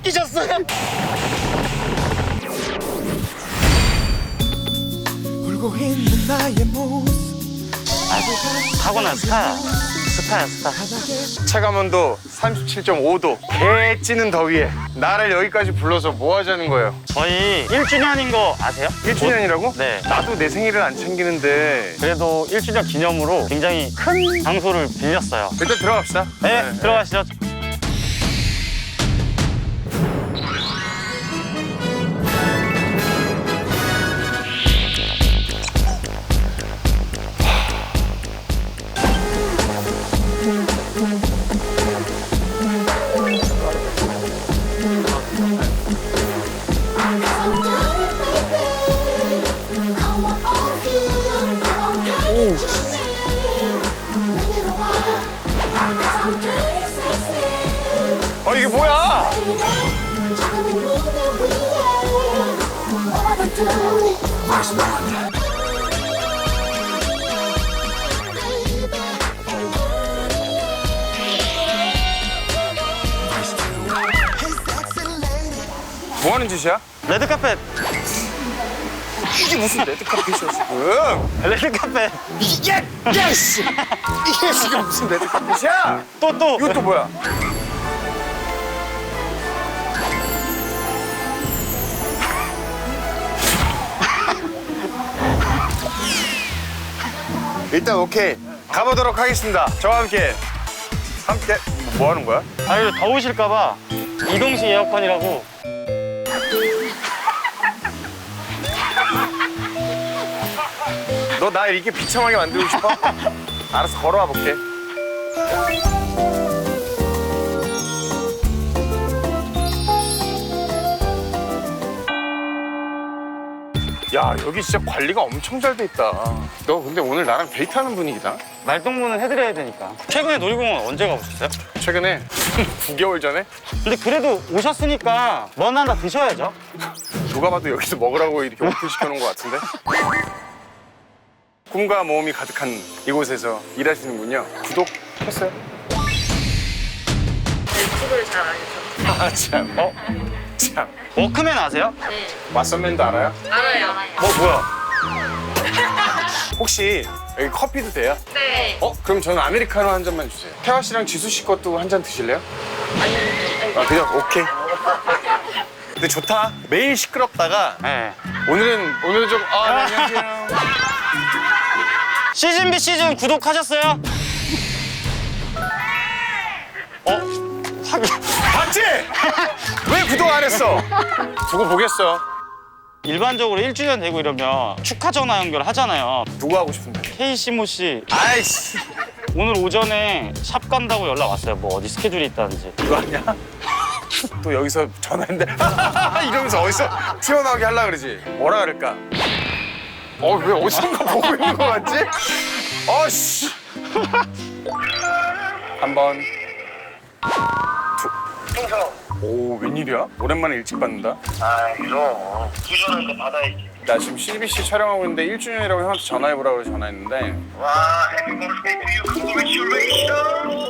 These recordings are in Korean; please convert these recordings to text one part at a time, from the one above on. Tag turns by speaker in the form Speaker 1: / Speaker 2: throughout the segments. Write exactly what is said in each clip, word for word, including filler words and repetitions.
Speaker 1: 끼셨어요?
Speaker 2: 울고 있는 나의 모습.
Speaker 1: 타고난 스타야. 스타야, 스타.
Speaker 3: 체감온도 삼십칠 점 오 도. 개 찌는 더위에 나를 여기까지 불러서 뭐 하자는 거예요?
Speaker 1: 저희 일 주년인 거 아세요?
Speaker 3: 일 주년이라고?
Speaker 1: 네.
Speaker 3: 나도 내 생일을 안 챙기는데.
Speaker 1: 그래도 일 주년 기념으로 굉장히 큰 장소를 빌렸어요.
Speaker 3: 일단 들어갑시다.
Speaker 1: 네,
Speaker 3: 네.
Speaker 1: 들어가시죠.
Speaker 3: 어, 이게 뭐야? 뭐 하는 짓이야?
Speaker 1: 레드카펫.
Speaker 3: 이게 무슨 레드카펫이야 지금?
Speaker 1: 레드카펫.
Speaker 3: 이게 야 씨. 이게 지금 무슨 레드카펫이야?
Speaker 1: 또, 또.
Speaker 3: 이건 또 뭐야? 일단 오케이 가보도록 하겠습니다. 저와 함께 함께 뭐 하는 거야?
Speaker 1: 아, 이거 더우실까봐 이동식 에어컨이라고.
Speaker 3: 너 나 이렇게 비참하게 만들고 싶어? 알았어 걸어와 볼게. 야 여기 진짜 관리가 엄청 잘 돼 있다. 너 근데 오늘 나랑 데이트하는 분위기다.
Speaker 1: 말동무는 해드려야 되니까. 최근에 놀이공원 언제 가보셨어요?
Speaker 3: 최근에 구 개월 전에
Speaker 1: 근데 그래도 오셨으니까 뭐 하나 드셔야죠.
Speaker 3: 누가 봐도 여기서 먹으라고 이렇게 오픈 시켜놓은 것 같은데. 꿈과 모험이 가득한 이곳에서 일하시는군요. 구독했어요?
Speaker 4: 유튜브를 잘 안 해서.
Speaker 3: 아 참. 어? 참.
Speaker 1: 워크맨 아세요?
Speaker 4: 네.
Speaker 3: 왓썸맨도 알아요?
Speaker 4: 알아요.
Speaker 1: 어, 뭐야?
Speaker 3: 혹시 여기 커피도 돼요?
Speaker 4: 네.
Speaker 3: 어? 그럼 저는 아메리카노 한 잔만 주세요. 태화 씨랑 지수 씨 것도 한 잔 드실래요?
Speaker 4: 아니,
Speaker 3: 아 그냥 오케이. 근데 좋다. 매일 시끄럽다가
Speaker 1: 네.
Speaker 3: 오늘은 오늘은 좀 아, 네, 안녕하세요.
Speaker 1: 시즌 비 시즌 구독하셨어요? 어? 확인.
Speaker 3: 봤지? 왜 구독 안 했어? 두고 보겠어.
Speaker 1: 일반적으로 일 주년 되고 이러면 축하 전화 연결 하잖아요.
Speaker 3: 누구 하고 싶은데?
Speaker 1: 케이시모 씨
Speaker 3: 아이씨.
Speaker 1: 오늘 오전에 샵 간다고 연락 왔어요. 뭐 어디 스케줄이 있다는지.
Speaker 3: 그거 아니야? 또 여기서 전화했는데 이러면서 어디서 튀어나오게 하려고 그러지? 뭐라 그럴까? 어, 왜 어디선가 보고 있는 거 같지? 어씨. 한 번. 오, 웬일이야? 오랜만에 일찍 받는다.
Speaker 5: 아, 이거 부전한 거 받아야지.
Speaker 3: 나 지금 씨비씨 촬영하고 있는데 일 주년이라고 형한테 전화해보라고 해서 전화했는데
Speaker 5: 와, 해피 버스데이 투 유. 컨그레츄레이션.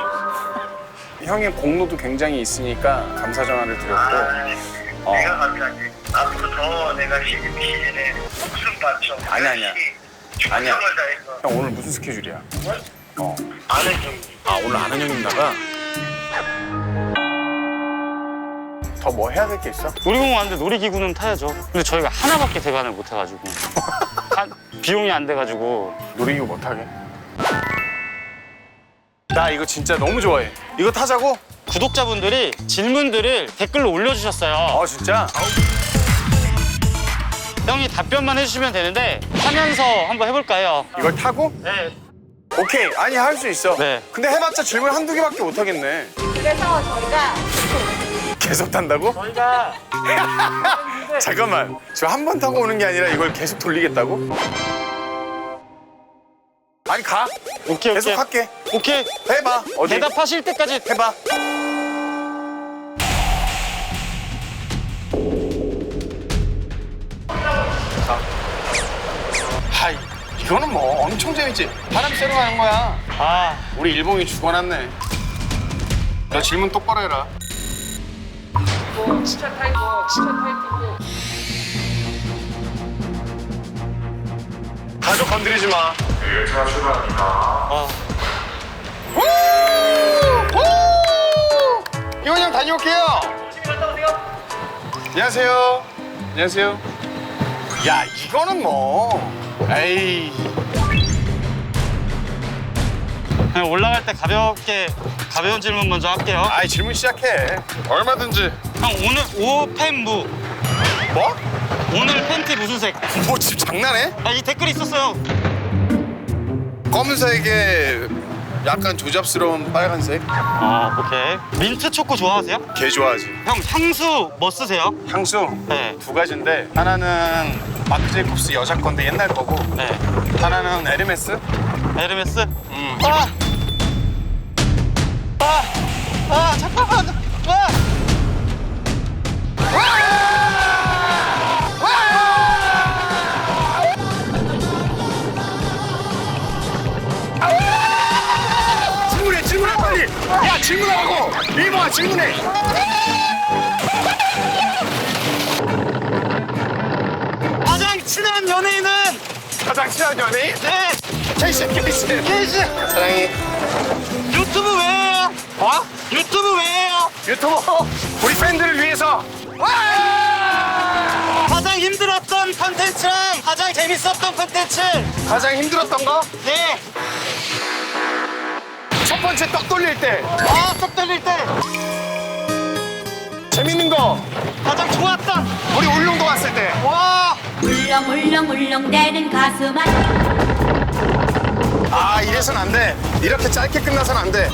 Speaker 3: 형의 공로도 굉장히 있으니까 감사 전화를 드렸고 어.
Speaker 5: 내가 감사하지. 앞으로 더 내가 시즌 시즌에 목숨 바쳐.
Speaker 3: 아니야, 아니야. 아니야.
Speaker 5: 최선을 다해서.
Speaker 3: 형 오늘 무슨 스케줄이야? 어.
Speaker 5: 아는 좀.
Speaker 3: 아 오늘 아는 형님 나가? 더 뭐 해야 될 게 있어?
Speaker 1: 놀이공원 왔는데 놀이기구는 타야죠. 근데 저희가 하나밖에 대관을 못 해가지고 한- 비용이 안 돼가지고.
Speaker 3: 놀이기구 못 하게. 나 이거 진짜 너무 좋아해. 이거 타자고?
Speaker 1: 구독자분들이 질문들을 댓글로 올려주셨어요.
Speaker 3: 아 진짜?
Speaker 1: 형이 답변만 해주시면 되는데 하면서 한번 해볼까요?
Speaker 3: 이걸 타고?
Speaker 1: 네.
Speaker 3: 오케이. 아니 할 수 있어.
Speaker 1: 네.
Speaker 3: 근데 해봤자 질문 한두 개밖에 못 하겠네.
Speaker 4: 그래서 저희가
Speaker 3: 계속 탄다고?
Speaker 1: 저희가
Speaker 3: 잠깐만. 저 한 번 타고 오는 게 아니라 이걸 계속 돌리겠다고? 아니 가.
Speaker 1: 오케이
Speaker 3: 계속
Speaker 1: 오케이
Speaker 3: 할게.
Speaker 1: 오케이
Speaker 3: 해봐. 어디?
Speaker 1: 대답하실 때까지
Speaker 3: 해봐. 자. 하이. 이거는 뭐 엄청 재밌지. 바람 쐬러 가는 거야.
Speaker 1: 아
Speaker 3: 우리 일봉이 죽어놨네. 너 질문 똑바로 해라.
Speaker 6: 진짜 타이거, 진짜 타이거.
Speaker 3: 가족 건드리지 마.
Speaker 1: 아,
Speaker 3: 이원 형 다녀올게요. 안녕하세요. 안녕하세요. 야, 이거는 뭐. 에이.
Speaker 1: 그냥 올라갈 때 가볍게 가벼운 질문 먼저 할게요.
Speaker 3: 아이, 질문 시작해. 얼마든지.
Speaker 1: 형 오늘 옷 팬무
Speaker 3: 뭐?
Speaker 1: 오늘 팬티 무슨 색?
Speaker 3: 뭐 지금 장난해?
Speaker 1: 아, 이 댓글이 있었어요.
Speaker 3: 검은색에 약간 조잡스러운 빨간색.
Speaker 1: 어, 오케이. 민트 초코 좋아하세요?
Speaker 3: 개 좋아하지.
Speaker 1: 형 향수 뭐 쓰세요?
Speaker 3: 향수
Speaker 1: 네.
Speaker 3: 두 가지인데 하나는 마크 제이콥스 여자 건데 옛날 거고
Speaker 1: 네.
Speaker 3: 하나는 에르메스.
Speaker 1: 에르메스?
Speaker 3: 음.
Speaker 1: 아! 아! 아, 잠깐만! 아!
Speaker 3: 질문해, 질문해 빨리. 야, 질문하라고. 이모아 질문해.
Speaker 1: 가장 친한 연예인은?
Speaker 3: 가장 친한 연예인?
Speaker 1: 네!
Speaker 3: 케이씨, 케이씨.
Speaker 1: 케이씨!
Speaker 3: 사랑해.
Speaker 1: 유튜브 왜 해요?
Speaker 3: 어?
Speaker 1: 유튜브 왜 해요?
Speaker 3: 유튜버 우리 팬들을 위해서.
Speaker 1: 가장 힘들었던 컨텐츠랑 가장 재밌었던 컨텐츠!
Speaker 3: 가장 힘들었던 거?
Speaker 1: 네!
Speaker 3: 첫 번째 떡 돌릴 때.
Speaker 1: 아, 쏙 떨릴 때!
Speaker 3: 재밌는 거.
Speaker 1: 가장 좋았던!
Speaker 3: 우리 울릉도 왔을 때.
Speaker 1: 와!
Speaker 7: 울렁울렁울렁대는 가슴아
Speaker 3: 아, 이래선 안 돼. 이렇게 짧게 끝나선 안 돼.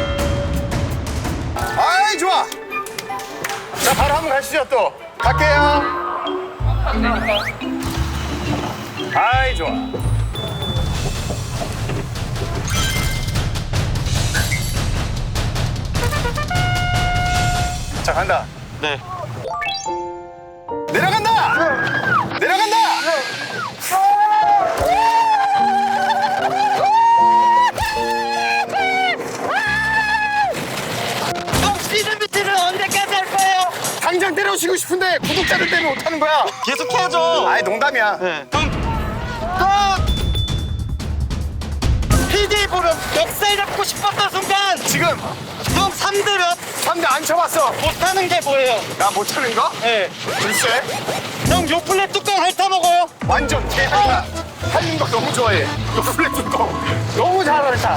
Speaker 3: 아이, 좋아. 자, 바로 한번 가시죠, 또. 갈게요. 아이, 좋아. 자, 간다.
Speaker 1: 네.
Speaker 3: 내려간다! 내려간다!
Speaker 1: 형 시즌 비트는 언제까지 할 거예요?
Speaker 3: 당장 때려치고 싶은데 구독자들 때문에 못하는 거야.
Speaker 1: 계속 해야죠.
Speaker 3: 아이, 농담이야.
Speaker 1: 네. 그럼 또 피디 보름 역살 잡고 싶었던 순간
Speaker 3: 지금
Speaker 1: 형 삼 대 몇?
Speaker 3: 삼 대 안 쳐봤어.
Speaker 1: 못하는 게 뭐예요?
Speaker 3: 나 못하는 거?
Speaker 1: 네.
Speaker 3: 글쎄.
Speaker 1: 형 요플레 뚜껑 핥아 먹어요.
Speaker 3: 완전 대단하다. 하는 거 너무 좋아해. 요플레 뚜껑. 너무 잘한다.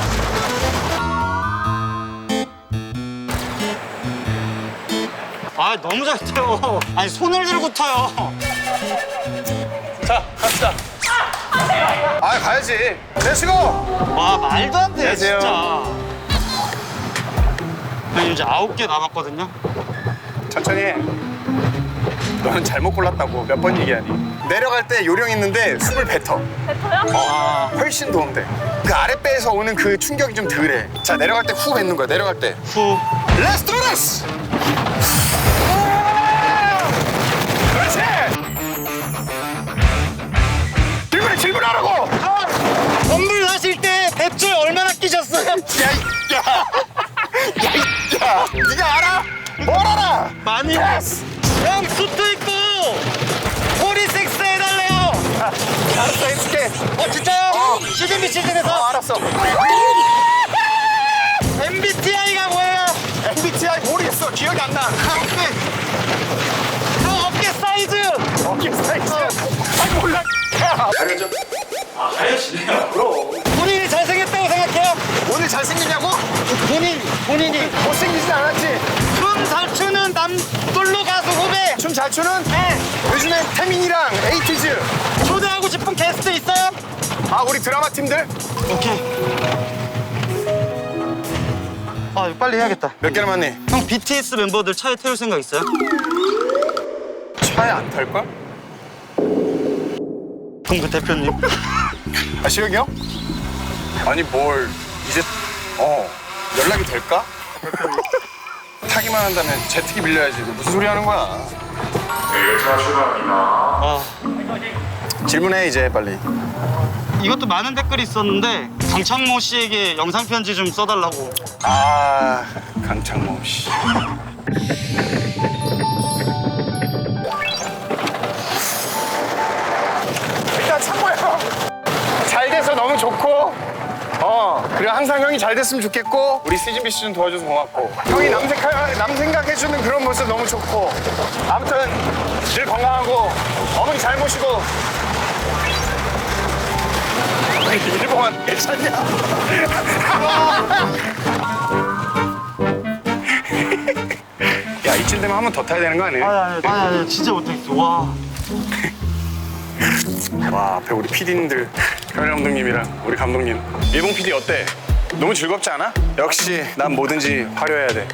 Speaker 1: 아 너무 잘 타요. 아니 손을 들고 타요.
Speaker 3: 자, 갑시다. 아, 가야지. 렛츠고!
Speaker 1: 와 말도 안 돼
Speaker 3: 안녕하세요.
Speaker 1: 진짜. 형 이제 아홉 개 남았거든요.
Speaker 3: 천천히 해. 너는 잘못 골랐다고 몇 번 얘기하니. 내려갈 때 요령 있는데 숨을 뱉어.
Speaker 1: 아
Speaker 3: 훨씬 도움돼. 그 아랫배에서 오는 그 충격이 좀 덜해. 자, 내려갈 때 후 뱉는 거야, 내려갈 때.
Speaker 1: 후.
Speaker 3: Let's do this! 그렇지! 질문해, 질문하라고!
Speaker 1: 건물 하실 때 뱃줄 얼마나 끼셨어요?
Speaker 3: 야, 이, 야! 야, 이, 야! 네가 알아? 뭘 알아?
Speaker 1: 많이.
Speaker 3: 예스!
Speaker 1: 형 수트 입고 꼬리 섹스 해달래요.
Speaker 3: 알았어, 해줄게.
Speaker 1: 어 진짜요?
Speaker 3: 어.
Speaker 1: 시즌비
Speaker 3: 어,
Speaker 1: 시즌에서
Speaker 3: 알았어.
Speaker 1: 엠비티아이가 뭐예요?
Speaker 3: 엠비티아이 모르겠어. 기억이 안 나.
Speaker 1: 형 어깨 사이즈.
Speaker 3: 어깨 사이즈. 아, 몰라. 가려져.
Speaker 1: 아 가려지네요. 그럼. 본인이 잘생겼다고 생각해요?
Speaker 3: 오늘 잘생겼냐고?
Speaker 1: 본인 본인이
Speaker 3: 못생기진 않았지?
Speaker 1: 춤 잘 추는 남솔로 가수 후배.
Speaker 3: 춤 잘 추는?
Speaker 1: 네.
Speaker 3: 요즘에 태민이랑 에이티즈.
Speaker 1: 초대하고 싶은 게스트 있어요?
Speaker 3: 아, 우리 드라마 팀들?
Speaker 1: 오케이. 아 이거 빨리 해야겠다.
Speaker 3: 몇 개 남았니?
Speaker 1: 형 비티에스 멤버들 차에 태울 생각 있어요?
Speaker 3: 차에 안 탈걸?
Speaker 1: 동구 대표님.
Speaker 3: 아, 시혁이 형? 아니, 뭘 이제 어 연락이 될까? 타기만 한다면 제트기 빌려야지. 너 무슨 소리 하는 거야?
Speaker 1: 아
Speaker 3: 질문해 이제 빨리.
Speaker 1: 이것도 많은 댓글이 있었는데 강창모 씨에게 영상 편지 좀 써달라고.
Speaker 3: 아, 강창모 씨. 그리고 항상 형이 잘 됐으면 좋겠고 우리 시즌비 시즌 도와줘서 고맙고 형이 남, 생각, 남 생각해주는 그런 모습 너무 좋고 아무튼 늘 건강하고 어머니 잘 모시고 일본 괜찮냐? 야 이쯤 되면 한 번 더 타야 되는 거 아니에요?
Speaker 1: 아니 아니 아니 진짜 못하겠어. 와.
Speaker 3: 와 앞에 우리 피디님들 현일 감독님이랑 우리 감독님 일본 피디 어때? 너무 즐겁지 않아? 역시 난 뭐든지 화려해야 돼.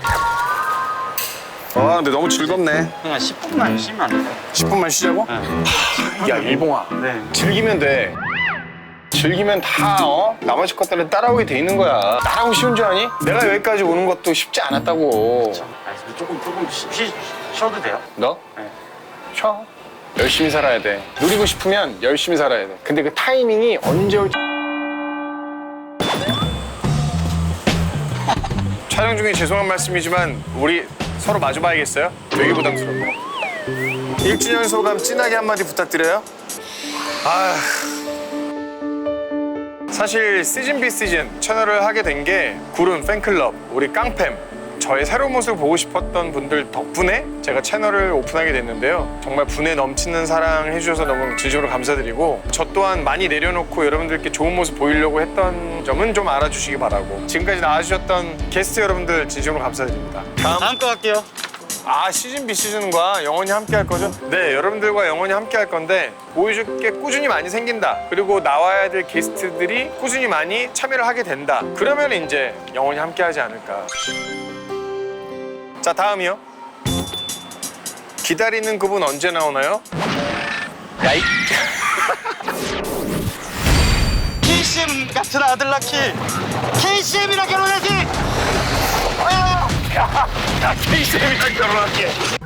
Speaker 3: 와 근데 너무 즐겁네.
Speaker 1: 그냥 십 분만 쉬면 안 돼요?
Speaker 3: 십 분만 쉬자고? 야 일봉아
Speaker 1: 네.
Speaker 3: 즐기면 돼. 즐기면 다 어? 나머지 것들은 따라오게 돼 있는 거야. 나라고 쉬운 줄 아니? 내가 여기까지 오는 것도 쉽지 않았다고.
Speaker 1: 아니, 조금 조금 쉬, 쉬, 쉬어도 돼요?
Speaker 3: 너?
Speaker 1: 네.
Speaker 3: 쉬어. 열심히 살아야 돼. 누리고 싶으면 열심히 살아야 돼. 근데 그 타이밍이 언제 올지. 촬영 중에 죄송한 말씀이지만 우리 서로 마주봐야겠어요? 되게 부담스럽고. 일 주년 소감 진하게 한마디 부탁드려요. 아, 사실 시즌 비 시즌 채널을 하게 된 게 구름 팬클럽, 우리 깡팸, 저의 새로운 모습을 보고 싶었던 분들 덕분에 제가 채널을 오픈하게 됐는데요. 정말 분에 넘치는 사랑 해주셔서 너무 진심으로 감사드리고 저 또한 많이 내려놓고 여러분들께 좋은 모습 보이려고 했던 점은 좀 알아주시기 바라고 지금까지 나와주셨던 게스트 여러분들 진심으로 감사드립니다. 다음
Speaker 1: 다음 거 갈게요.
Speaker 3: 아 시즌 비 시즌과 영원히 함께 할 거죠? 네 여러분들과 영원히 함께 할 건데 보여줄 게 꾸준히 많이 생긴다. 그리고 나와야 될 게스트들이 꾸준히 많이 참여를 하게 된다. 그러면 이제 영원히 함께 하지 않을까. 자 다음이요. 기다리는 그분 언제 나오나요? 야이
Speaker 1: 케이씨엠 같은 아들 낳기. 케이씨엠이랑 결혼하기.
Speaker 3: 야 케이씨엠이랑 결혼할게.